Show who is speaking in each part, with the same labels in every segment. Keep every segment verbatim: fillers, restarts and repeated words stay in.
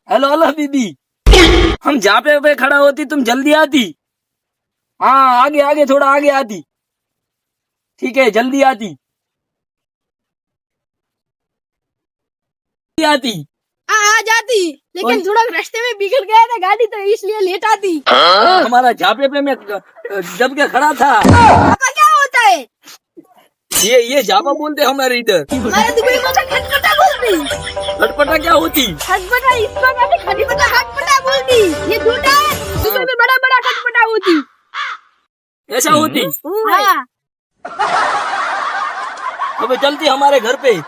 Speaker 1: Hello hello दीदी, हम जहाँ पे पे खड़ा होती तुम जल्दी आती। हाँ आगे आगे थोड़ा आगे आती। ठीक है जल्दी आती आती।
Speaker 2: हाँ आ जाती, लेकिन थोड़ा रास्ते में बिगड़ गया था गाड़ी, तो इसलिए लेट आती।
Speaker 1: हमारा झापे पे मैं जब के खड़ा था।
Speaker 2: पापा क्या होता है?
Speaker 1: ये ये झापा बोलते हमारे इधर।
Speaker 2: हमारे दुबई में तो खटपटा बोलती।
Speaker 1: खटपटा क्या होती?
Speaker 2: खटपटा इसको कहते, खटपटा खटपटा बोलती। ये झूठा है, दुबई में बड़ा बड़ा खटपटा होती।
Speaker 1: ऐसा होती?
Speaker 2: हाँ
Speaker 1: अबे चलती हमारे घर पे।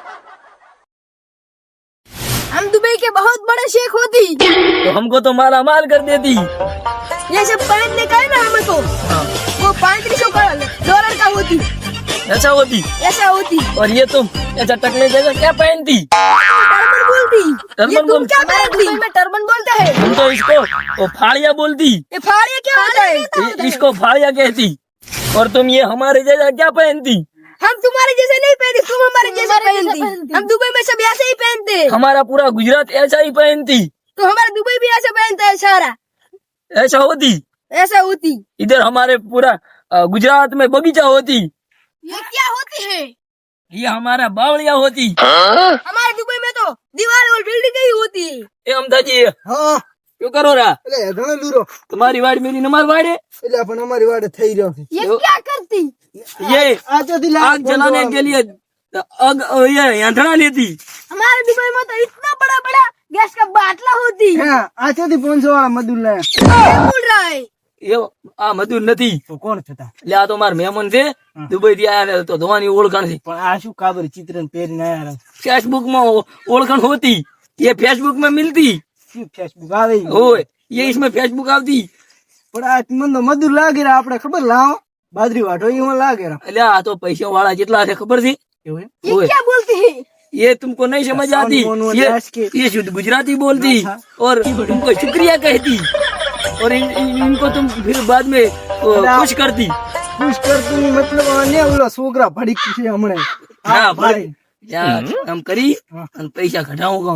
Speaker 2: हम दुबई के बहुत बड़े शेख होती।
Speaker 1: तो हमको तो माला माल कर देती।
Speaker 2: ये सब पहनने का है ना हमको, वो पैंतीस सौ डॉलर का होती।
Speaker 1: ऐसा होती?
Speaker 2: ऐसा होती।
Speaker 1: और ये तुम ऐसा टकले जगह क्या पहनती?
Speaker 2: टर्बन बोलती।
Speaker 1: टर्बन
Speaker 2: ये तुम
Speaker 1: बोल-
Speaker 2: क्या पहनती? में टर्बन बोलते हैं।
Speaker 1: हम तो इसको वो फाड़िया बोलती।
Speaker 2: ये फाड़िया क्या होता है?
Speaker 1: इ- इसको फाड़िया कहती। और तुम ये हमारे जैसा क्या पहनती?
Speaker 2: हम तुम्हारे जैसे नहीं पहनते, तुम हमारे जैसे पहनती। हम दुबई में सब ऐसे ही पहनते हैं।
Speaker 1: हमारा पूरा गुजरात ऐसा ही पहनती।
Speaker 2: तो हमारे दुबई भी ऐसे पहनता है सारा।
Speaker 1: ऐसा होती?
Speaker 2: ऐसा होती।
Speaker 1: इधर हमारे पूरा अ, गुजरात में बगीचा होती।
Speaker 2: ये क्या होती है?
Speaker 1: ये हमारा बावड़िया होती।
Speaker 2: हमारे दुबई में तो दीवार और बिल्डिंग ही होती है।
Speaker 1: ए अमदाजी
Speaker 3: હા
Speaker 1: क्यों करो रहा?
Speaker 3: એટલે ઘણો લૂરો
Speaker 1: तुम्हारी वाड़ मेरी नमाज वाड़ है।
Speaker 3: એટલે પણ અમારી વાડે થઈ રહ્યો છે
Speaker 2: ये
Speaker 1: यो-
Speaker 2: क्या करती?
Speaker 1: ये
Speaker 3: આ ચોથી લાખ
Speaker 1: आग जलाने के लिए आग ये यंत्रणा लेती।
Speaker 2: हमारे दुबई में तो इतना बड़ा बड़ा गैस का बाटला होती।
Speaker 3: હા આ ચોથી પાંચસો વાળા મજૂર લાયા
Speaker 2: क्या बोल रहा है?
Speaker 1: ये आ मजदूर નથી।
Speaker 3: તો કોણ થતા
Speaker 1: એટલે આ તો મારા મહેમાન છે દુબઈ થી આયા ને, તો ધોવાની ઓળખાણ છે।
Speaker 3: પણ આ શું કાબર ચિત્ર પહેરીને આયા
Speaker 1: फेसबुक में ओ- ओळखाण होती। ये फेसबुक में मिलती।
Speaker 3: શું ફેસબુક આવે ઈ?
Speaker 1: ओए ये इसमें फेसबुक आती।
Speaker 3: પણ આ મને તો મજૂર લાગે રે આપણે ખબર લાવો બાજરી વાટો એમાં લાગે રે
Speaker 1: એટલે આ તો पैसे वाला जितना है खबर थी।
Speaker 3: એવું એમ?
Speaker 2: ये
Speaker 1: ओए
Speaker 2: क्या बोलती है?
Speaker 1: ये तुमको नहीं समझ आती।
Speaker 3: मोन मोन
Speaker 1: ये
Speaker 3: दास के-
Speaker 1: ये शुद्ध गुजराती बोलती
Speaker 3: हाँ।
Speaker 1: और तुमको शुक्रिया कहती। और इन, इन, इनको तुम फिर बाद में ओ,
Speaker 3: अरे आप-
Speaker 1: खुश करती।
Speaker 3: ખુશ કરતું મતલબ ને ઓલો છોકરા ભડી છે હમણે
Speaker 1: ના
Speaker 3: હા
Speaker 1: ભાઈ ત્યાં કામ કરી
Speaker 3: હા.
Speaker 1: અને પૈસા ઘટાવું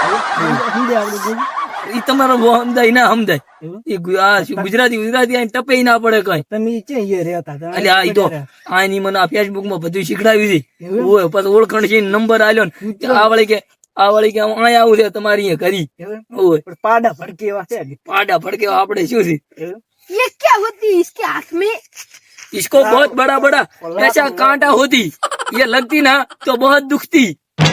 Speaker 3: સમજે આપણે બોલ
Speaker 1: એ તમારો બહુ સમજાય ના સમજાય।
Speaker 3: એવું?
Speaker 1: એ ગુ- આ શું ગુજરાતી ગુજરાતી આઈને ટપે ના પડે કઈ।
Speaker 3: તમે ચે અહીંયા રહેતા હતા
Speaker 1: એટલે આ ઈ તો આની મને આ ફેસબુક માં બધું શીખડાવ્યું છે।
Speaker 3: એવું?
Speaker 1: ઓય પછી ઓળખાણ છે નંબર આલ્યો ને કે આ વળી કે આ વળી કે અહીંયા આવું છે તમારી અહીંયા કરી।
Speaker 3: એવું એમ?
Speaker 1: ઓય
Speaker 3: પણ પાડા ભડકે એવા છે
Speaker 1: પાડા ફડકે આપણે શું છે?
Speaker 3: એવું?
Speaker 2: ये क्या होती है इसके हाथ में?
Speaker 1: इसको बहुत बड़ा बड़ा ऐसा कांटा होती। ये लगती ना तो बहुत दुखती।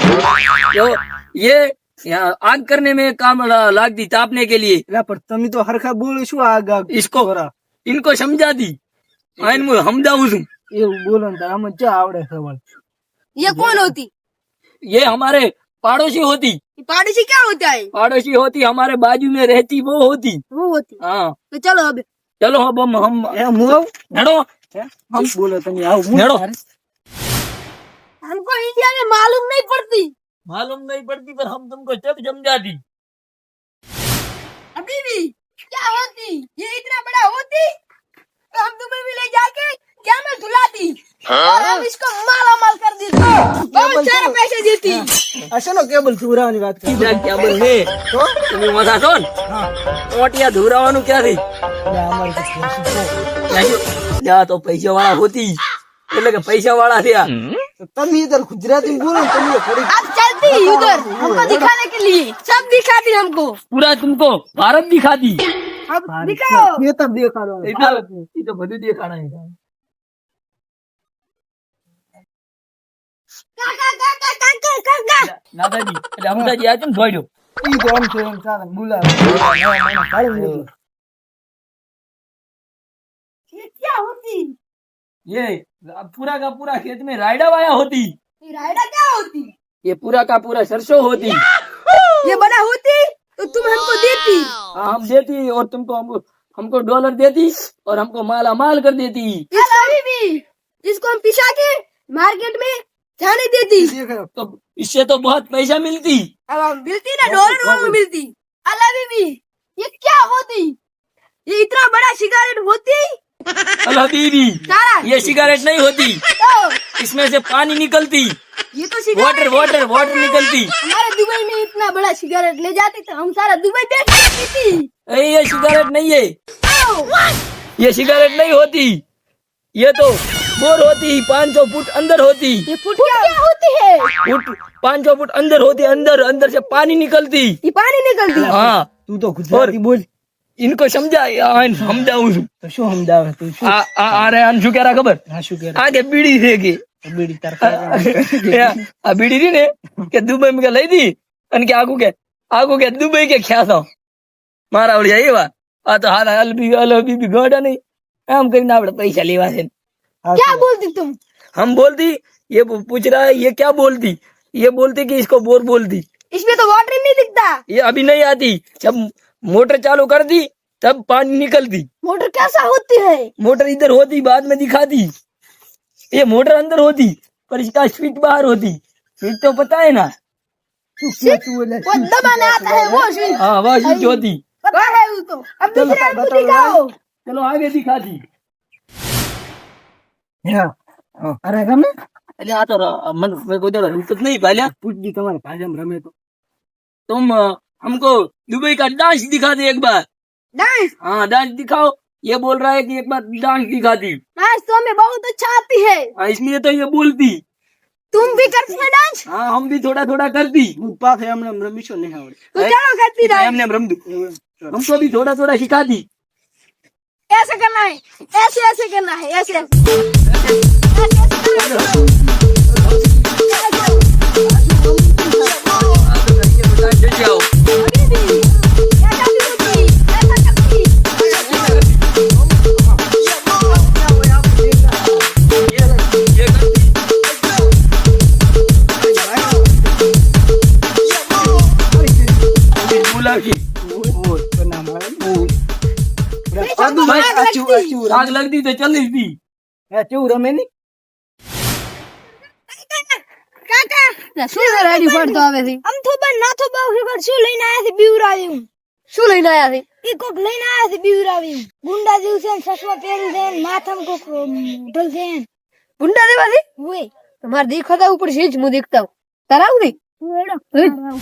Speaker 1: तो ये यहाँ आग करने में काम ला- लागती तापने के लिए।
Speaker 3: એટલે પણ તમે તો હરખા બોલો શું આગ આગ
Speaker 1: इसको
Speaker 3: કરા?
Speaker 1: इनको समझा दी। आइन मुझे समझाऊं छू।
Speaker 3: એવું બોલો ને તો આમાં ચા આવડે સવાલ
Speaker 2: ये कौन होती?
Speaker 1: ये हमारे पड़ोसी होती।
Speaker 2: ये पड़ोसी क्या होता है?
Speaker 1: पड़ोसी होती हमारे बाजू में रहती वो होती।
Speaker 2: वो होती।
Speaker 1: हाँ
Speaker 2: तो चलो अब
Speaker 1: चलो अब हम हम
Speaker 3: એમ હું આવું?
Speaker 1: हेडो
Speaker 3: હમ બોલો તમે આવો હું
Speaker 1: हेडो।
Speaker 2: हमको इंडिया में मालूम नहीं पड़ती।
Speaker 1: मालूम नहीं पड़ती पर हम तुमको सब समझाती।
Speaker 2: अभी भी क्या होती? ये इतना बड़ा होती तो हम दुबई में ले जाके क्या में धुलाती और हम इसको माला माल कर देती, बहुत सारे पैसे देती।
Speaker 3: આ શેનો કેબલ ચૂરાવાની વાત કરી
Speaker 1: क्या क्या बोले
Speaker 3: તો
Speaker 1: तुम्हें मजा सुन
Speaker 3: હા
Speaker 1: ओटिया धुरावानु क्या थी?
Speaker 3: એટલે અમારે તો કહેશું તો.
Speaker 1: ત્યાં તો પૈસા વાળા હોતી એટલે કે પૈસા વાળા થયા।
Speaker 3: તો તમે ઇધર ગુજરાતી બોલો ને તમે થોડી
Speaker 2: अब चलती उधर हमको दिखाने के लिए, सब दिखाती हमको।
Speaker 1: પૂરા तुमको ભારત दिखाती।
Speaker 2: अब दिखाओ।
Speaker 3: એ તો દેખાડો
Speaker 1: એ તો એ તો બધું દેખાડાય।
Speaker 2: काका काका काका काका
Speaker 1: નાદાજી એટલે અમદાજી આ કેમ જોડ્યો?
Speaker 3: ઈ તો આમ છે એમ ચાલે બોલાવે નવા મહિના કાઢી લીધું.
Speaker 2: ये क्या होती?
Speaker 1: ये पूरा का पूरा खेत में रायडा वाया होती।
Speaker 2: ये रायडा क्या होती?
Speaker 1: ये पूरा का पूरा सरसों होती।
Speaker 2: ये बड़ा होती तो तुम हमको देती।
Speaker 1: हाँ हम देती और तुमको हमको हमको डॉलर देती और हमको माला माल कर देती।
Speaker 2: इस अभी भी इसको हम पिसा के मार्केट में जाने देती।
Speaker 3: દેખાડો.
Speaker 1: तो इससे तो बहुत पैसा मिलती।
Speaker 2: अब हम मिलती ना डॉलर वालों मिलती। अल्लाह भी ये क्या होती? ये इतना बड़ा सिगारेट होती
Speaker 1: अल हबीबी,
Speaker 2: सारा
Speaker 1: ये सिगरेट नहीं होती,
Speaker 2: तो
Speaker 1: इसमें से पानी निकलती,
Speaker 2: ये तो सिगरेट
Speaker 1: वाटर वाटर वाटर निकलती।
Speaker 2: हमारे दुबई में इतना बड़ा सिगरेट ले जाती तो हम सारा दुबई बेच सकती थी।
Speaker 1: अरे ये सिगरेट नहीं है,
Speaker 2: तो
Speaker 1: ये सिगरेट नहीं होती, ये तो बोर होती, पाँच सौ फुट अंदर होती,
Speaker 2: ये फुट क्या होती है?
Speaker 1: फुट पाँच सौ फुट अंदर होती, अंदर अंदर से पानी निकलती।
Speaker 2: ये पानी निकलती है।
Speaker 1: हाँ,
Speaker 3: તું તો ગુજરાતી બોલ
Speaker 1: इनको समझा समझाऊं છું
Speaker 3: તો શું સમજાવે તું શું
Speaker 1: આ આ આ રે આને શું કહેરા ખબર?
Speaker 3: હા શું કરે
Speaker 1: આગે બીડી છે કે
Speaker 3: બીડી તાર ખાવા
Speaker 1: આ બીડી રી ને કે દુબઈ માં લઈ દી અને કે આગુ કે આગુ કે દુબઈ કે ખ્યાસો મારા ઓળિયા એવા આ તો હારા અલબી અલબી બી ગોડા નહીં આમ કરીને આપણે પૈસા લેવા છે।
Speaker 2: क्या बोलती तुम?
Speaker 1: हम बोलती, ये पूछ रहा है ये क्या बोलती, ये बोलती कि इसको बोर बोलती।
Speaker 2: इसमें तो वाटर ही नहीं दिखता।
Speaker 1: ये अभी नहीं आती, जब मोटर चालू कर दी तब पानी निकलती।
Speaker 2: मोटर कैसा होती है?
Speaker 1: मोटर इधर होती, बाद में दिखाती। ये मोटर अंदर होती पर इसका स्विच बाहर होती। स्विच तो पता है ना?
Speaker 2: वो दबाने आता है वो स्विच।
Speaker 1: हाँ वह स्विच होती।
Speaker 2: पता है वो तो। अब दूसरे को दिखाओ।
Speaker 1: चलो आगे दिखाती।
Speaker 3: હા અરે રમે
Speaker 1: अरे आ तो र- मन मेरे को इधर हिम्मत नहीं पहले
Speaker 3: પૂછડી તમારે ભાષામાં રમે તો
Speaker 1: तुम अ, हमको दुबई का डांस दिखा दे एक बार।
Speaker 2: डांस
Speaker 1: हाँ डांस दिखाओ। ये बोल रहा है कि एक बार डांस दिखा दी।
Speaker 2: डांस तो हमें बहुत अच्छा आती है।
Speaker 1: हाँ, इसलिए तो ये बोलती।
Speaker 2: तुम भी करती है डांस?
Speaker 1: हाँ हम भी थोड़ा थोड़ा करती।
Speaker 3: હું પાસે એમને રમીશો નહીં આવડે
Speaker 2: तो चलो करती डांस।
Speaker 1: हमने रम दू हमको भी थोड़ा थोड़ा सिखा दी।
Speaker 2: ऐसे करना है, ऐसे ऐसे करना है, ऐसे ऐसे ऐसे करना है।
Speaker 1: जाओ
Speaker 2: अभी भी ऐसा भी होती, ऐसा करती।
Speaker 3: આદુ
Speaker 2: આગ
Speaker 3: આચું
Speaker 2: लगती।
Speaker 3: આચું
Speaker 1: आग लगती तो चल दी।
Speaker 3: આચું રમે ની
Speaker 2: કાકા શું રેડી પડતો આવે છે? આમ તો બન ના તો બહુ ખબર શું લઈને આયા છે બીવરાવ્યું? શું લઈને આયા છે? ઈ કોક લઈને આયા છે બીવરાવ્યું। ગુંડા જેવું છે ને ચશ્મા પહેર્યું છે ને માથામાં કોક ઢોલ છે ને। ગુંડા જેવા છે? ઓય તમારે દેખાતા ઉપર છે જ હું દેખતા હું। તરાવું નહીં?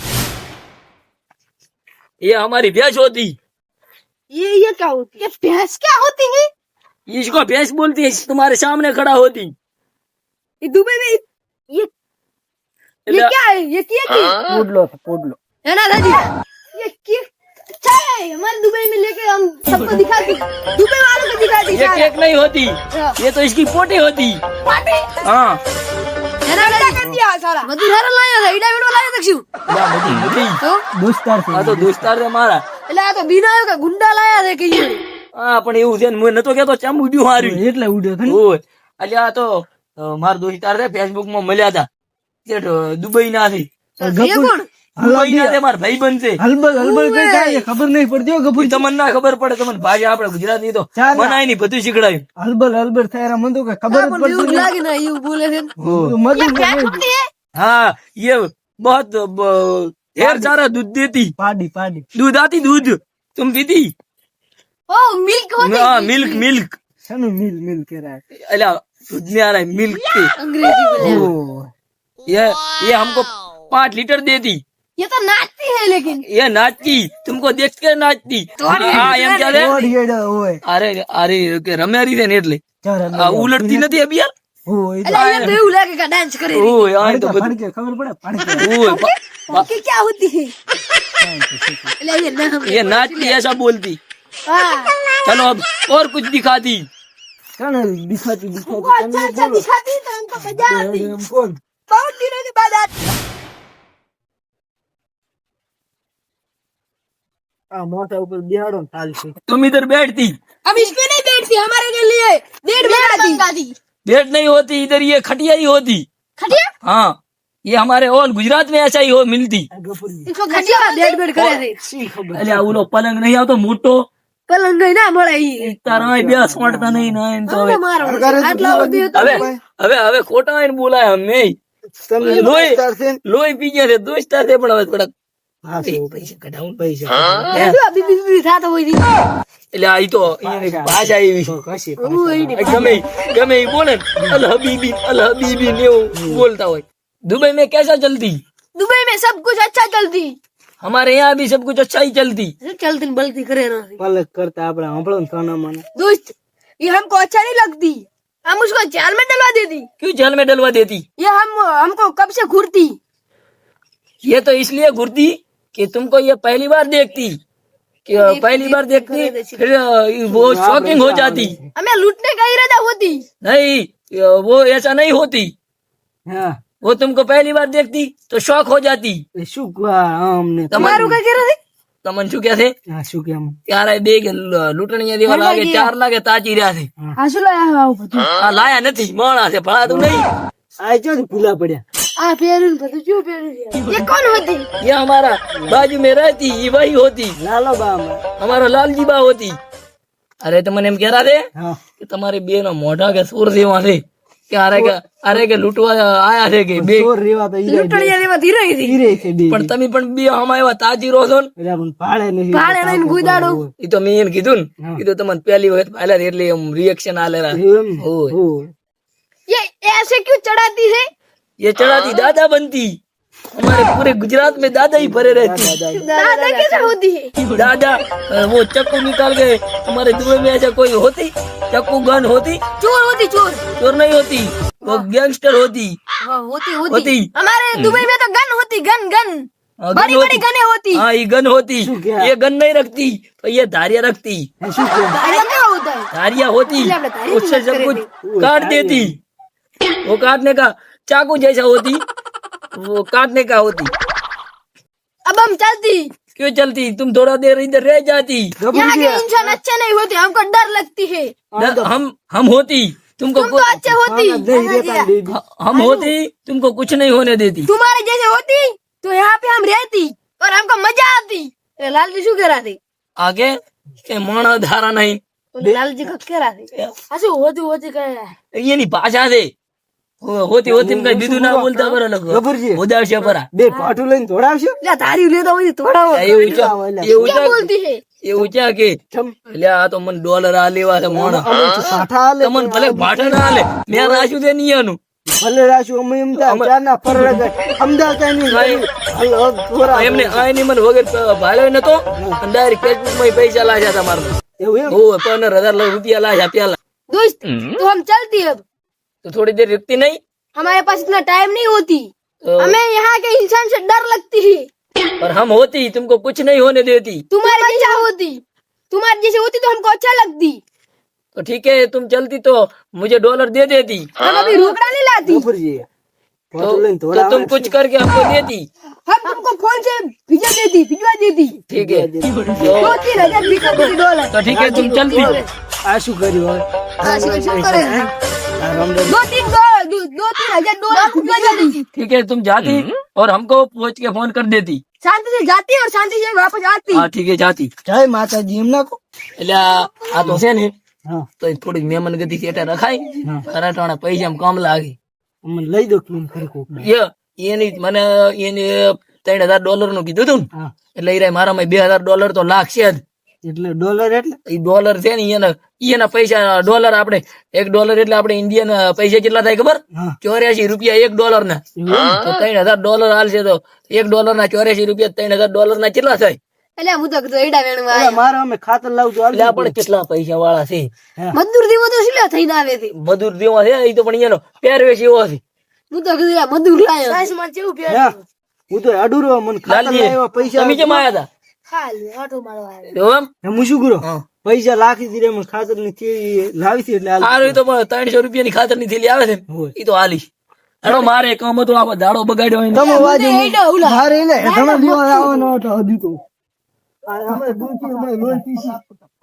Speaker 1: ये हमारी भैंस होती।
Speaker 2: ये ये क्या होती है? भैंस क्या होती है?
Speaker 1: इसको भैंस बोलती है, तुम्हारे सामने खड़ा होती।
Speaker 2: ये दुबई में ये ये क्या है? ये क्या की
Speaker 3: પોડલો છે પોડલો
Speaker 2: है ना दादी? ये क्या अच्छा है हमारे दुबई में लेके हम सबको दिखाती, दुबई वालों को दिखाती।
Speaker 1: ये केक नहीं होती, ये तो इसकी पोटी होती।
Speaker 2: पार्टी
Speaker 1: हाँ
Speaker 2: है ना दादी? कर दिया सारा मधुर हर लाया था, इडा वीडियो लाया था।
Speaker 1: या बधी बधी।
Speaker 2: तो
Speaker 3: દોસ્તાર છે
Speaker 1: हाँ तो दोस्तार से मारा।
Speaker 2: એટલે આ તો બીનાયો કે ગુંડા લાયા છે કે ये
Speaker 1: હા પણ એવું છે ને હું નતો કેતો ચમ ઉડ્યું હાર્યું
Speaker 3: એટલે ઉડ્યો છે ને
Speaker 1: ઓય એટલે આ તો અ, મારા દોસ્તાર છે ફેસબુક માં મળ્યા હતા તે દુબઈ ના છે
Speaker 2: ये कौन?
Speaker 1: દુબઈ ના છે મારા ભાઈબંધ છે
Speaker 3: હલબલ હલબલ કઈ કાંઈ ખબર નહીં પડતી હો ગભુર
Speaker 1: તમને ના ખબર પડે તમને ભાષા આપણે ગુજરાતી તો
Speaker 3: ચાલ.
Speaker 1: બનાય ની બધું શીખડાયું
Speaker 3: હલબલ હલબલ થયા મને તો કઈ ખબર જ
Speaker 2: પણ
Speaker 3: પડતી
Speaker 2: એવું
Speaker 3: નહીં.
Speaker 2: લાગે ને એવું બોલે છે
Speaker 3: તો મધુર
Speaker 2: क्या
Speaker 3: રમે.
Speaker 2: होती है?
Speaker 1: हाँ ये बहुत ब- ढेर सारा दूध देती,
Speaker 3: પાડી પાડી
Speaker 1: दूध आती दूध तुम पीती?
Speaker 2: ओ मिल्क होती
Speaker 1: हाँ
Speaker 2: है।
Speaker 1: मिल्क मिल्क
Speaker 3: શાનું મિલ મિલ કરાય
Speaker 1: अला दूध नहीं आ रहा है मिल्क के।
Speaker 2: अंग्रेजी बोले
Speaker 3: ઓ
Speaker 1: ये ये हमको पाँच लीटर देती।
Speaker 2: ये तो नाचती है लेकिन
Speaker 1: ये नाचती तुमको देख के नाचती। हाँ એમ ચાલે
Speaker 3: ઓડિયેડા હોય
Speaker 1: અરે અરે કે રમ્યારી છે ને એટલે
Speaker 3: ચાર
Speaker 1: આ ઉલટતી નથી અભી યાર
Speaker 3: હોય
Speaker 2: એટલે એમ તો એવું લાગે કે ડાન્સ કરે છે।
Speaker 1: ઓય આ તો બધું
Speaker 3: ફડકે ખબર પડે ફડકે
Speaker 1: ઓય પ-
Speaker 2: बाकी क्या होती है? એટલે ये नाम
Speaker 1: ये नाचती ऐसा बोलती।
Speaker 2: हाँ
Speaker 1: चलो अब और कुछ दिखाती।
Speaker 3: કાને દિખાતી
Speaker 2: वो
Speaker 3: દિખાતી
Speaker 2: अच्छा अच्छा दिखाती तो हमको मजा आती।
Speaker 3: એમ કોણ
Speaker 2: बहुत दिनों के बाद आती।
Speaker 3: આ મોટા ઉપર બિહાડો ને ચાલશે
Speaker 1: तुम इधर बैठती,
Speaker 2: हम इस पे नहीं बैठती, हमारे के लिए बेड बनाती।
Speaker 1: बैठ नहीं होती इधर, ये खटिया ही होती।
Speaker 2: खटिया
Speaker 1: हाँ ये हमारे और गुजरात में ऐसा ही हो मिलती।
Speaker 3: આ ગફુરી
Speaker 2: इसको खटिया बेड बेड करे थे।
Speaker 3: શી ખબર
Speaker 1: એટલે આ ઓલો પલંગ નહીં આવતો મોટો
Speaker 2: पलंग नहीं ना મળે ઈ
Speaker 1: તારા બે સોંટતા નહીં ના એમ તો હવે
Speaker 2: મારો
Speaker 3: સરકારે તો
Speaker 2: આટલા
Speaker 3: બોલાવી
Speaker 2: સુધી હતો
Speaker 1: હવે હવે હવે ખોટા આવીને બોલાય અમે
Speaker 3: તમે
Speaker 1: લોહી
Speaker 3: દોસ્તાર છે ને?
Speaker 1: લોહી પી ગયા છે દોસ્તાર છે પણ હવે થોડા
Speaker 3: હા
Speaker 1: એ
Speaker 3: શું
Speaker 1: પૈસા કઢાવું ને.
Speaker 3: પૈસા
Speaker 1: હે?
Speaker 2: શું આ બીબી બીબી થાતો હોય છે?
Speaker 1: એટલે આ ઈ તો ઈ ભાષા એવી છે.
Speaker 3: કશી
Speaker 2: હું એની
Speaker 1: ગમે ઈ- ગમે ઈ બોલે ને, અલ હબીબી અલ હબીબી ને એવું બોલતા હોય. दुबई में कैसा चलती?
Speaker 2: दुबई में सब कुछ अच्छा चलती,
Speaker 1: हमारे यहाँ भी सब कुछ अच्छा ही चलती.
Speaker 2: चलती बलती करे ना
Speaker 3: પલક કરતા આપણે સાંભળો ને સોના મને
Speaker 2: दोस्त। ये हमको अच्छा नहीं लगती, हम उसको जाल में डलवा देती।
Speaker 1: क्यों जेल में डलवा देती?
Speaker 2: ये हम हमको कब से घूरती।
Speaker 1: ये तो इसलिए घुरती कि तुमको ये पहली बार देखती, कि पहली बार देखती फिर वो शॉकिंग हो जाती.
Speaker 2: हमें लूटने का इरादा होती।
Speaker 1: नहीं, वो ऐसा नहीं होती.
Speaker 3: હા
Speaker 1: वो तुमको पहली बार देखती तो शौक हो जाती.
Speaker 3: એ શું આ અમને
Speaker 2: तुम्हारू का कह रहे थे?
Speaker 1: तमन શું કે છે?
Speaker 3: હા શું કેમ
Speaker 1: यार બે લૂંટણીયા દેવા લાગે, ચાર લાગે તાજી રહ્યા છે.
Speaker 2: हाँ सुला आया બધું
Speaker 1: આ લાયા નથી, મોણા છે, ભણાતું નહીં.
Speaker 3: આ જો ભૂલા પડ્યા
Speaker 2: आ पेरून બધું क्यों पेरून ये कौन होती?
Speaker 1: ये हमारा बाजू में रहती, ये वही होती,
Speaker 3: લાલો બા અમારે.
Speaker 1: हमारा लालजी बा होती. अरे तो મને એમ કહેતા थे
Speaker 3: હા
Speaker 1: કે તમારી બે નો મોઢા કે સુર જેવા છે, કે અરે કે અરે કે લૂંટવા આયા છે કે બે.
Speaker 3: ચોર રેવા તો ઈ
Speaker 2: લૂંટણીયા દેવા ધીરે હતી
Speaker 3: હીરે છે બે
Speaker 1: પણ તમે પણ બે હમા એવા તાજી રહો છો ને.
Speaker 3: એટલે પણ પાડે નહીં
Speaker 2: ભાડે લઈને ગુદાડો
Speaker 1: એ તો મેં એને કીધું ને, કીધું તમને પહેલી વખત પાયલા એટલે એમ રિએક્શન આલેરા.
Speaker 3: એમ
Speaker 1: હોય.
Speaker 3: હોય.
Speaker 2: ये ऐसे क्यों चढ़ाती है?
Speaker 1: ये चढ़ाती दादा बनती. हमारे पूरे गुजरात में दादा ही भरे रहती.
Speaker 2: दादा कैसे होती है?
Speaker 1: दादा अ, वो चक्कू निकाल के हमारे दुबई में ऐसा कोई होती, चक्कू गन होती?
Speaker 2: चोर होती चोर।
Speaker 1: चोर नहीं होती, वो गैंगस्टर होती.
Speaker 2: हाँ, होती होती
Speaker 1: होती.
Speaker 2: हमारे दुबई में तो गन होती, गन गन
Speaker 1: हाँ, गन
Speaker 2: बड़ी बड़ी
Speaker 1: होती.
Speaker 2: गने होती।
Speaker 1: हाँ ये गन होती.
Speaker 3: શું કે?
Speaker 1: ये गन नहीं रखती तो ये धारिया रखती.
Speaker 3: એ શું કેમ
Speaker 2: धारिया क्या होता है?
Speaker 1: धारिया होती,
Speaker 2: इसलिए हमने धारिया
Speaker 1: उससे
Speaker 2: की बात
Speaker 1: सब
Speaker 2: करी
Speaker 1: कुछ काट देती. वो काटने का चाकू जैसा होती, वो काटने का होती.
Speaker 2: अब हम चलती।
Speaker 1: क्यों चलती? तुम थोड़ा देर इधर रह जाती.
Speaker 2: यहाँ के इंसान अच्छे नहीं होते, हमको डर लगती है।
Speaker 1: न- हम हम होती तुमको
Speaker 2: तुम तो
Speaker 1: कुछ-
Speaker 2: अच्छे होती,
Speaker 3: નહીં રહેતા બેબી
Speaker 1: हम होती तुमको कुछ नहीं होने देती.
Speaker 2: तुम्हारे जैसे होती तो यहाँ पे हम रहती और हमको मजा आती। अरे लाल जी शू कह रहा थे?
Speaker 1: आगे के माणस धारा नहीं.
Speaker 2: लाल जी का कह रहा थे ऐसे होती होती कह रहा है।
Speaker 1: ये नहीं भाषा दे. हो- होती होती में कहीं बीजू ना बोलता बरा लोग.
Speaker 3: ગભરજી.
Speaker 1: ઉદાસ્ય પરા.
Speaker 3: બે પાટું લઈને દોડાવશો
Speaker 2: ला धारी लेता हुई थोड़ा वो
Speaker 1: એ ઊંચા એ
Speaker 2: क्या
Speaker 1: ઊંચા
Speaker 2: बोलती है?
Speaker 1: એ ઊંચા કે
Speaker 3: ચમ
Speaker 1: એટલે આ તો મને ડોલર આ લેવા છે માણસ.
Speaker 3: અમે તો સાઠા હાલે
Speaker 1: તમને ભલે ભાષા ના હાલે, મેં રાખ્યું છે નહીં એનું.
Speaker 3: ભલે રાશું અમે એમ થાય ચારના ફરજ અમદાવાદ કાંઈ નહીં હાલો, થોડા
Speaker 1: એમને આ એની મને વગર ભાડ્યો નતો, અને ડાયરેક્ટ ફેસબુક માં પૈસા લાગ્યા તમારે.
Speaker 3: એવું એમ
Speaker 1: ઓ પંદર હજાર રૂપિયા લાગ્યા પેલા.
Speaker 2: दोस्त तो हम चलती अब,
Speaker 1: તો થોડી દેર रुकती नहीं?
Speaker 2: हमारे पास इतना टाइम नहीं होती।
Speaker 1: तो-
Speaker 2: हमें यहाँ के इंसान से डर लगती है।
Speaker 1: पर हम होती तुमको कुछ नहीं होने देती.
Speaker 2: तुम्हारी जैसा होती, तुम्हारी जैसी होती तो हमको अच्छा लगती।
Speaker 1: तो ठीक है तुम चलती तो मुझे डॉलर दे देती.
Speaker 2: हम अभी रोकड़ा नहीं लाती।
Speaker 3: ગભરજી
Speaker 1: तो,
Speaker 3: પાટું લઈને
Speaker 1: तो
Speaker 3: દોડાવે
Speaker 1: तुम कुछ करके हमको देती.
Speaker 2: हम तुमको फोन से भिजवा देती, भिजवा देती।
Speaker 1: ठीक है
Speaker 2: दो तीन हजार भिजवा देती डॉलर।
Speaker 1: तो ठीक है तुम चलती.
Speaker 3: આ શું કર્યું હવે
Speaker 2: हाँ, શું- શું करे?
Speaker 3: આ રામદેવ
Speaker 2: दो तीन दो, दो, दो तीन हजार डॉलर भिजवा देती।
Speaker 1: ठीक है तुम जाती और हमको पहुंच के फोन कर देती.
Speaker 2: शांति से जाती और शांति से वापस आती।
Speaker 1: हाँ ठीक है जाती.
Speaker 3: જય માતાજી એમ ના કહો
Speaker 1: એટલે આ આ તો છે ને
Speaker 3: હા
Speaker 1: તો થોડીક મહેમાન ગતિ સેટા રખાય, ખરાટાણા પૈસા કામ લાગે.
Speaker 3: અમને લઈ દો કેમ ખરી કોક
Speaker 1: એ એની મને એને ત્રણ હજાર ડોલર નું કીધું હતું ને,
Speaker 3: હા
Speaker 1: એટલે ઈ મારામાં બે હજાર ડોલર તો લાગશે જ.
Speaker 3: એટલે ડોલર એટલે
Speaker 1: ઈ ડોલર છે ને એના એના પૈસા ડોલર આપણે એક ડોલર એટલે આપણે ઇન્ડિયન પૈસા કેટલા થાય ખબર?
Speaker 3: હા
Speaker 1: ચોર્યાસી રૂપિયા એક ડોલર ના. તો ત્રણ હજાર ડોલર હાલશે તો એક ડોલર ના ચોર્યાસી રૂપિયા ત્રણ હજાર ડોલર ના કેટલા થાય?
Speaker 2: એટલે હું તો કીધું એડા વેણું
Speaker 3: એટલે મારે અમે ખાતર લાવજો
Speaker 1: એટલે આપણે કેટલા પૈસા વાળા છે.
Speaker 2: મજદૂર દેવો તો શું થઈને આવે છે?
Speaker 1: મજૂર દેવા છે એ તો પણ એનો પહેરવેશ એવો છે.
Speaker 2: હું તો કીધું આ મજદૂર લાયો સાસમાં કેવું પહેરે
Speaker 3: હા હું તો અડુરો મને ખાતર
Speaker 1: લાલજી
Speaker 3: લાવ્યા પૈસા
Speaker 1: તમે કેમ આયા હતા?
Speaker 2: હાલ આટો મારો આવે
Speaker 1: એવું એમ?
Speaker 3: હું શું કરું
Speaker 1: હા.
Speaker 3: પૈસા લાખી દીધે મને ખાતર ની થેલી લાવી હતી એટલે હાલ.
Speaker 1: સારું એ તો પણ ત્રણસો રૂપિયા ની ખાતર ની થેલી આવે છે
Speaker 3: હોય.
Speaker 1: એ તો હાલીશ. હેડો મારે કામ હતું, આખો દાડો બગાડ્યો હોય ને.
Speaker 3: તમે વાજો
Speaker 2: એડા ઉલા
Speaker 3: મારે એટલે તમે દેવા આવવાનો હતો હજુ તો આ અમે દૂધ થી અમે લોહી પીસી